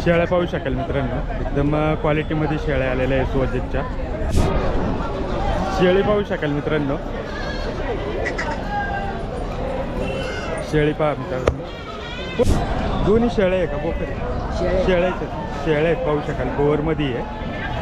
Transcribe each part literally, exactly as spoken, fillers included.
शेळ्या पाहू शकाल मित्रांनो, एकदम क्वालिटीमध्ये शेळ्या आलेल्या आहे सोजतच्या. शेळी पाहू शकाल मित्रांनो, शेळी पहा मित्रांनो. दोन्ही शेळ्या आहे का बोकड? शेळ्याचे शेळ्या आहेत पाहू शकाल. बोरमध्ये आहे.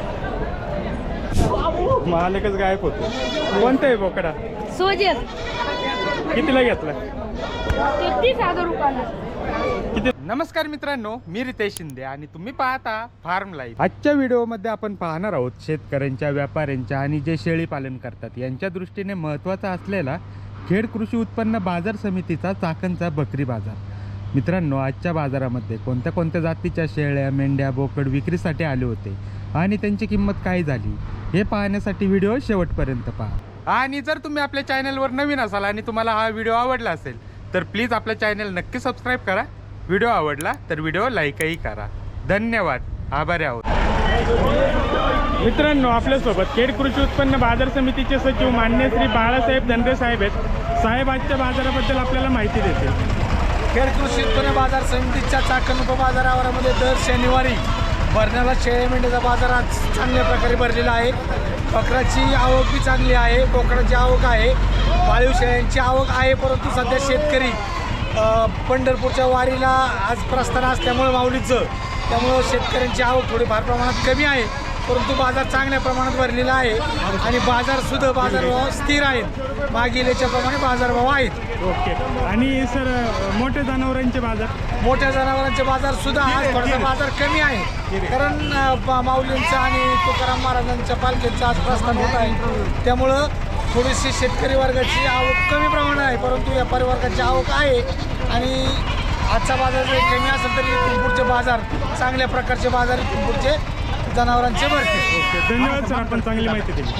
मालकच गायब होतो. कोणता आहे बोकडा? सोजत. कितीला घेतला? तेहतीस हजार रुपयाला. किती? नमस्कार मित्रांनो, मी रितेश शिंदे आणि तुम्ही पाहता फार्म लाईफ. आजच्या व्हिडिओमध्ये आपण पाहणार आहोत शेतकऱ्यांच्या, व्यापाऱ्यांच्या आणि जे शेळी पालन करतात यांच्या दृष्टीने महत्त्वाचा असलेला खेड कृषी उत्पन्न बाजार समितीचा चाकणचा बकरी बाजार. मित्रांनो, आजच्या बाजारामध्ये कोणत्या कोणत्या जातीच्या शेळ्या, मेंढ्या, बोकड विक्रीसाठी आले होते आणि त्यांची किंमत काय झाली हे पाहण्यासाठी व्हिडिओ शेवटपर्यंत पहा. आणि जर तुम्ही आपल्या चॅनलवर नवीन असाल आणि तुम्हाला हा व्हिडिओ आवडला असेल तर प्लीज आपल्या चॅनल नक्की सबस्क्राईब करा. व्हिडिओ आवडला तर व्हिडिओ लाईकही करा. धन्यवाद, आभारी आहोत. मित्रांनो, आपल्यासोबत खेड कृषी उत्पन्न बाजार समितीचे सचिव मान्य श्री बाळासाहेब धनरे साहेब आहेत. साहेब आजच्या बाजाराबद्दल आपल्याला माहिती देतील. खेड कृषी उत्पन्न बाजार समितीच्या चाकण उपबाजारामध्ये दर शनिवारी भरण्याला शेळ्या मेंढ्याचा बाजार आज चांगल्या प्रकारे भरलेला आहे. बकराची आवक बी चांगली आहे, बोकडाची आवक आहे, पाळीव शेळ्यांची आवक आहे. परंतु सध्या शेतकरी पंढरपूरच्या वारीला आज प्रस्थान असल्यामुळे माऊलीचं, त्यामुळं शेतकऱ्यांची आवक थोडीफार प्रमाणात कमी आहे. परंतु बाजार चांगल्या प्रमाणात भरलेला आहे आणि बाजारसुद्धा बाजारभाव स्थिर आहेत. मागील याच्याप्रमाणे बाजारभाव आहेत. ओके. आणि सर, मोठ्या जनावरांचे बाजार? मोठ्या जनावरांचे बाजार सुद्धा आज थोडासा बाजार कमी आहे, कारण माऊलींचं आणि तुकाराम महाराजांच्या पालखीचं आज प्रस्थान होत आहे. त्यामुळं थोडीशी शेतकरी वर्गाची आवक कमी प्रमाणात आहे, परंतु व्यापारी वर्गाची आवक आहे. आणि आजचा बाजार जरी कमी असेल तरी इथून पुढचे बाजार चांगल्या प्रकारचे बाजार इथून पुढचे जनावरांचे भरते. ओके, धन्यवाद सर, आपण चांगली माहिती दिली.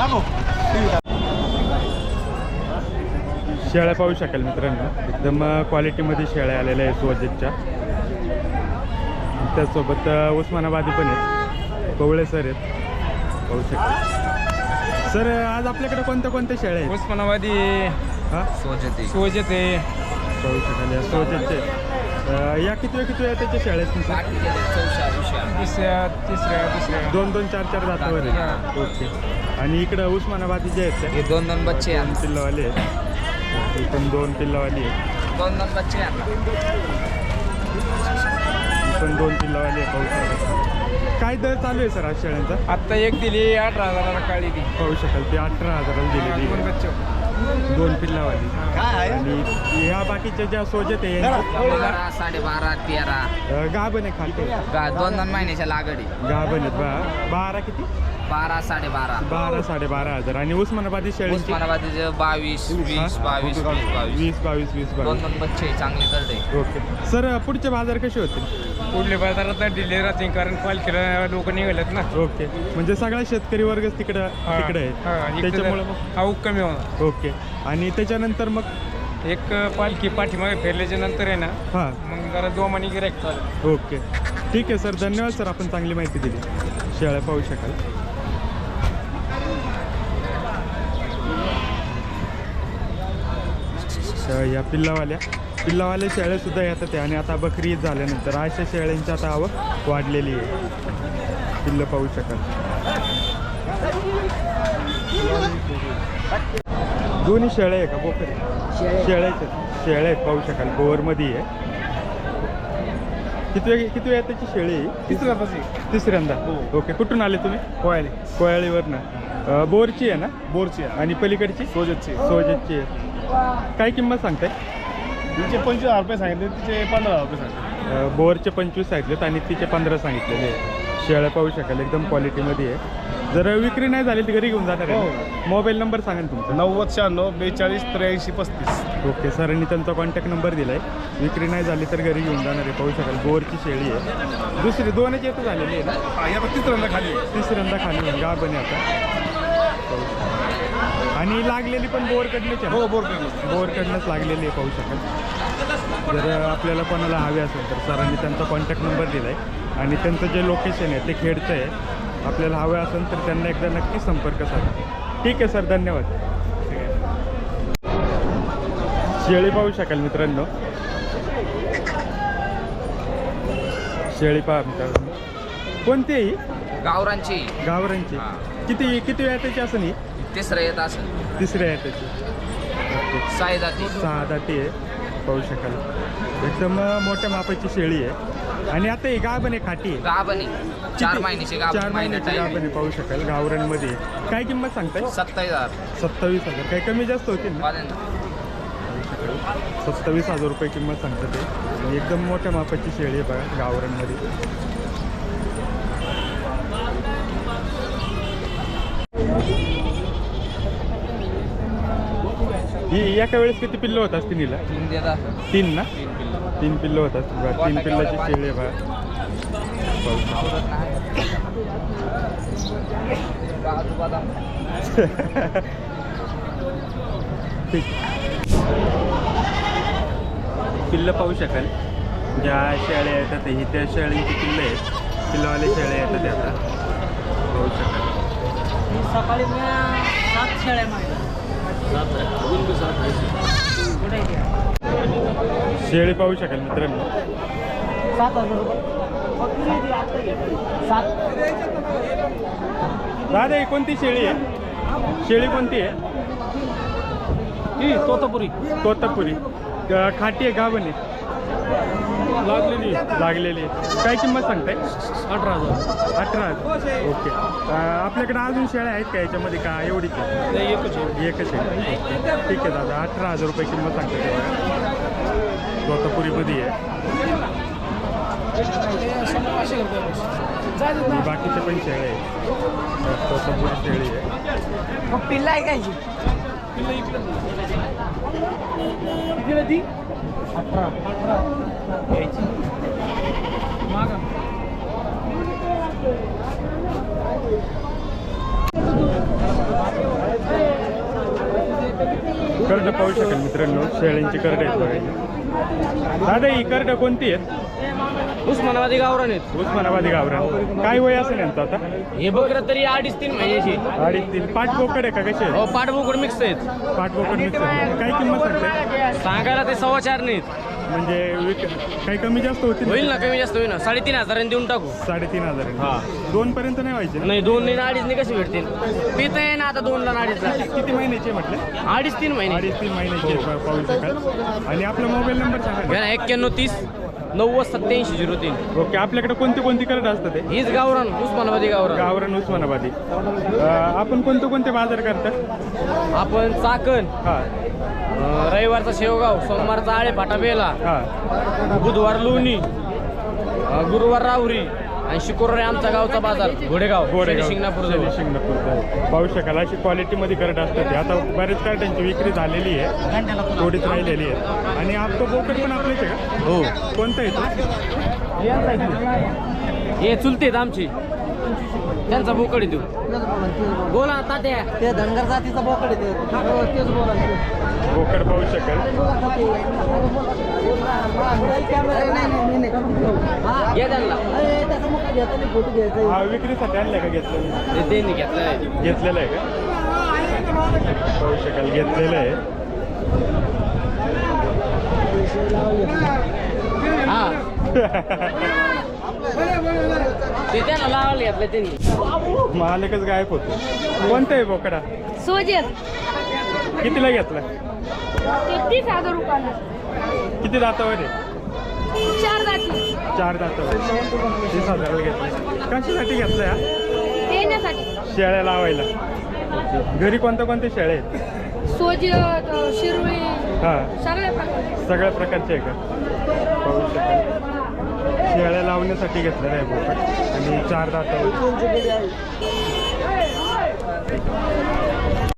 शेळ्या पाहू शकाल मित्रांनो, एकदम क्वालिटीमध्ये शेळ्या आलेल्या आहे सोजतच्या. त्याचसोबत उस्मानाबादी पण आहेत, कवळे सर आहेत पाहू शकाल. सर, आज आपल्याकडे कोणत्या कोणत्या शेळ्या आहेत? उस्मानाबादी, हां, सोजते सोजते पाहू शकाल. या सोजतचे या किती किती आहे त्याच्या शेळ्या आहेत सर? तिसऱ्या तिसऱ्या तिसऱ्या दोन दोन चार चार जातावर आहेत. ओके. आणि इकडं उस्मानाबादी जे आहेत हे दोन दोन बच्चे दोन पिल्लावाले आहेत. इथून दोन पिल्लावाली आहेत. दोन दोन बच्चे पण दोन पिल्लावाली आहे पाहू शकाल. काय दर चालू आहे सर आज शेळ्यांचा? आत्ता एक दिली अठरा हजाराला काळी ती पाहू शकाल. ते अठरा हजाराला दिलेली दोन आहे. बच्चे दोन पिल्लावाली. आणि ह्या बाकीच्या ज्या सोजत आहे बारा साडेबारा तेरा गाभण आहे खालते. गा दोन दोन महिन्याच्या लागडी गाभण आहेत बा. बारा किती? बारा साडेबारा बारा साडेबारा हजार. आणि उस्मानाबादी शेळीची उस्मानाबादीचे बावीस वीस बावीस वीस बावीस वीस बावीस वीस दोन बावीस. दोन बच्चे चांगले करते. ओके सर, पुढचे बाजार कसे होतील? पुढल्या बाजारात डिले राहते, कारण पालखीला लोक निघालेत ना. ओके, म्हणजे सगळा शेतकरी वर्गच तिकडं तिकडे आहे, त्याच्यामुळे मग आवक कमी होणार. ओके. आणि त्याच्यानंतर मग एक पालखी पाठीमागे फिरल्याच्या नंतर आहे ना, हां, मग जरा दोमानी गिरायक चालेल. ओके, ठीक आहे सर, धन्यवाद सर, आपण चांगली माहिती दिली. शेळ्या पाहू शकाल. या पिल्लावाल्या पिल्लावाल्या शेळ्यासुद्धा येतात आहे. आणि आता बकरी ईद झाल्यानंतर अशा शेळ्यांची आता आवक वाढलेली आहे. पिल्लं पाहू शकाल. दोन्ही शेळ्या आहे का बोकड? शेळ्याचे शेळ्या आहेत पाहू शकाल. बोरमध्ये आहे. किती वेळ किती वेळ त्याची शेळी आहे? तिसऱ्या तिसऱ्यांदा. ओके, कुठून आले तुम्ही? कोयले कोयाळीवरनं. बोरची आहे ना? बोरची आणि पलीकडची सोजतची सोजतची आहे. काय किंमत सांगताय? तिचे पंचवीस हजार रुपये सांगितले, तिचे पंधरा हजार रुपये सांगितले. बोरचे पंचवीस सांगितलेत आणि तिचे पंधरा सांगितलेले. शेळ्या पाहू शकाल, एकदम क्वालिटीमध्ये आहे. जर विक्री नाही झाली तर घरी घेऊन जाणार आहे. मोबाईल नंबर सांगा ना तुमचा. नव्वद शहाण्णव बेचाळीस त्र्याऐंशी पस्तीस. ओके, सरांनी त्यांचा कॉन्टॅक्ट नंबर दिला आहे. विक्री नाही झाली तर घरी घेऊन जाणार आहे. पाहू शकाल, बोरची शेळी आहे. दुसरी दोनच येतं झालेली आहे ना? तिसऱ्यांदा खाली तिसऱ्यांदा खाली गा बने आता. आणि लागलेली पण बोरकडनंच आहे. हो, बोर बोरकडनंच लागलेली आहे पाहू शकाल. जर आपल्याला कोणाला हवे असेल तर सरांनी त्यांचा कॉन्टॅक्ट नंबर दिला आहे आणि त्यांचं जे लोकेशन आहे ते खेडचं आहे. आपल्याला हवे असेल तर त्यांना एकदा नक्की संपर्क साधा. ठीक आहे सर, धन्यवाद. शेळी पाहू शकाल मित्रांनो. शेळी पहा मित्रांनो. कोणती आहे ही? गावरांची गावरांची. हा. किती किती वेळाची असेल ही? तिसरं येत असेल. तिसऱ्या याच्याची. साई जाती. सहा दाती आहे, पाहू शकाल. एकदम मोठ्या मापाची शेळी आहे. आणि आता ही गाभण आहे, खाटी आहे. गाभणी चार महिन्याची चार गाभ महिन्याची गाभण आहे, पाहू शकाल. गावरांमध्ये आहे. काय किंमत सांगताय? सत्तावीस हजार सत्तावीस हजार. काही कमी जास्त होतील ना? वाल्यांना. सत्तावीस हजार रुपये किंमत सांगतात ते. आणि एकदम मोठ्या मापाची शेळी आहे बघा, गावरांमध्ये. ही एका वेळेस किती पिल्लं होत असतील हिला? तीन देतात. तीन ना? तीन किलो. तीन पिल्लं होत असतील बघा. तीन पिल्लाची शेळी आहे बघा. पाहू शकाल. आवरत नाही. काजू बदाम. ठीक. पिल्लं पाहू शकाल. ज्या शेळ्या येतात ही त्या शेळ्यांची पिल्लं आहेत. पिल्लवाले शेळ्या येतात त्या आता पाहू शकाल. सकाळी सात शेळ्या मारल्या. शेळी पाहू शकाल मित्रांनो. सात हजार रुपये. सात. दादा ही कोणती शेळी आहे? शेळी कोणती आहे? ही तोतापुरी तोतापुरी. ग- खाटी आहे, गाभण आहे? लागलेली लागलेली आहे. काय किंमत सांगताय? अठरा हजार अठरा हजार. ओके. अं, आपल्याकडे अजून शेळ्या आहेत का याच्यामध्ये? का एवढीच आहे? नाही एकच आहे. एकच आहे. ठीक आहे दादा, अठरा हजार रुपये किंमत सांगते बघा. तोतापुरीमध्ये आहे. बाकीचे पण शेळे आहेत. तोतापुरी शेळी आहे. मग पिल्ला आहे काय? कितीला ती अठरा. अठरा घ्यायची मागा. करडं पाहू शकाल मित्रांनो. शेळ्यांची करडं आहेत बघा. दादा ही करडं कोणती आहेत? उस्मानाबादी गावरान आहेत. उस्मानाबादी गावरान. काय वय असेल यांचं आता? हे बकरं तरी अडीच तीन महिन्याची. अडीच तीन. पाच बोकड आहे का कसे हो पाठबोकड मिक्स आहेत. पाच बोकड मिक्स आहे. काय किंमत सांगते? सांगायला ते सव्वा चार नाहीत. म्हणजे विक काही कमी जास्त होतील? होईल ना, कमी जास्त होईल ना. साडेतीन हजारांनी देऊन टाकू. साडेतीन हजार. हा. दोन पर्यंत नाही व्हायचे ना? नाही दोन नाही अडीच नाही कशी भेटतील? पित आहे ना आता दोनला अडीचला. किती महिन्याचे म्हटलं? अडीच तीन महिने. अडीच तीन महिन्याचे पा- पाहू शकाल. आणि आपला मोबाईल नंबर सांगा घ्या ना. ना एक्क्याण्णव तीस नव्वद सत्याऐंशी झिरो तीन. ओके. आपल्याकडे कोणती कोणती करडं असतात ते? हीच गावरान उस्मानाबादी गावरान. गावरान उस्मानाबादी. अं, आपण कोणते कोणते बाजार करता? आपण चाकण, हां अं, रविवारचा शेवगाव, सोमवारचा आळे फाटाबेला, हां. बुधवार लोणी, अं, गुरुवार राहुरी आणि शुक्रवारी आमचा गावचा बाजार घोडेगाव गोरेगाव शिंगणापूर शनी शिंगणापूर. पाहू शकाल अशी क्वालिटीमध्ये करत असतात ते. आता बरेच कार्टांची विक्री झालेली आहे, थोडीच राहिलेली आहे. आणि आपलं बोकड पण आपलेच आहे का? हो. कोणतं आहे तो? हे चुलते आहेत आमची, त्यांचा बोकड देऊ. बोला तात्या. ते धनगर जातीचा बोकड आहे ते. तेच बोला. बोकड पाहू शकाल. घ्या त्यांना. हा विक्रीसाठी आणलाय का? घेतलेलं ते त्यांनी घेतलं आहे. घेतलेलं आहे का? पाहू शकाल घेतलेलं आहे. हा ते त्यांना लावायला घेतलं त्यांनी. मालकच गायब होतो. कोणतं आहे बोकडा? सोजेत कितीला घेतला? तेहतीस हजार रुपयाला. किती दातावर आहे? चार जाती चार दातावर. तीस हजाराला घेतला. कशासाठी घेतला या? देण्यासाठी. शेळ्या लावायला. घरी कोणत्या कोणत्या शेळ्या आहेत? सोजत शिरवळी हां सगळ्या प्रकारचे. सगळ्या प्रकारचे आहे का? पाहू शकाल. शेळ्या लावण्यासाठी घेतलेलं आहे बोकड. आणि चार दातावर.